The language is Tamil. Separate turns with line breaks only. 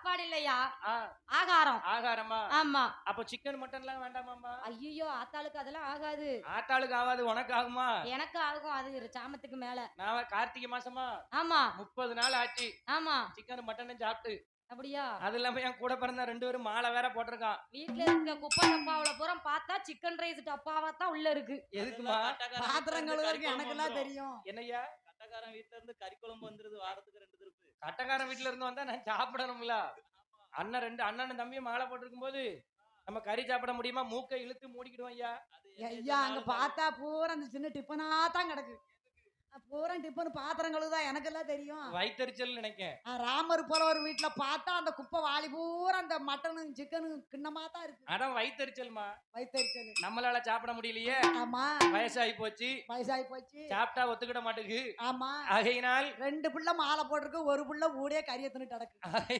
சாப்பாடு இல்லையா,
ஆ,
ஆகாரம்.
ஆகாரமா?
ஆமா.
அப்ப சிக்கன் மட்டன்லாம் வேண்டாமாம்மா?
ஐயையோ! ஆத்தாளுக்கு அதெல்லாம் ஆகாது.
ஆட்டாளுக்கு ஆகாது, உனக்கு ஆகுமா?
எனக்கு ஆகும் அது சாமத்துக்கு மேல.
நான் கார்த்திகை மாசமா
ஆமா,
30 நாள் ஆச்சு
ஆமா.
சிக்கன் மட்டனும் சாப்பிட்டு.
அப்படியா?
அது இல்லாம என் கூட பிறந்த 2 பேரும் மாலை வேற போட்டிருக்கான்.
வீட்ல இருக்க குப்பை டப்பாவுல பூரா பார்த்தா சிக்கன் ரைஸ் டப்பாவா தான் உள்ள இருக்கு.
எதுக்குமா?
பாத்திரம் கழுவுறதுக்கு எனக்கெல்லாம் தெரியும்.
என்னய்யா?
கட்டக்காரன் வீட்ல இருந்து கறி குழம்பு வந்துருது வாரத்துக்கு 2 திருப்பு.
கட்டக்காரன் வீட்டுல இருந்து வந்தா நான் சாப்பிடணும்ல. அண்ணனும் தம்பியும் மாலை போட்டிருக்கும் போது நம்ம கறி சாப்பிட முடியுமா? மூக்கை இழுத்து மூடிக்கிடுவோம் ஐயா.
ஐயா அங்க பார்த்தா பூரா அந்த சின்ன டிப்பனா தான் கிடக்கு. பூரா டிப்பன் பாத்திரம் கழுவுதான் எனக்கெல்லாம் தெரியும்.
வயித்தெரிச்சல் நினைக்கேன்.
ராமர் போல ஒரு வீட்டுல பார்த்தா அந்த குப்பை வாளி பூரா அந்த மட்டனும் சிக்கனும் கிண்ணமா தான் இருக்கு.
அதான் வயித்தெரிச்சல்மா.
வயிற்றுச்சல்.
நம்மளால சாப்பிட முடியலையே.
ஆமா,
வயசாகி போச்சு.
வயசாகி போச்சு.
சாப்பிட்டா ஒத்துக்கிட மாட்டேங்குது.
ஆமா,
ஆகையினால்
2 புள்ள மாலை போட்டிருக்கு, ஒரு புள்ள ஊடே கறியை தின்னு கிடக்கு.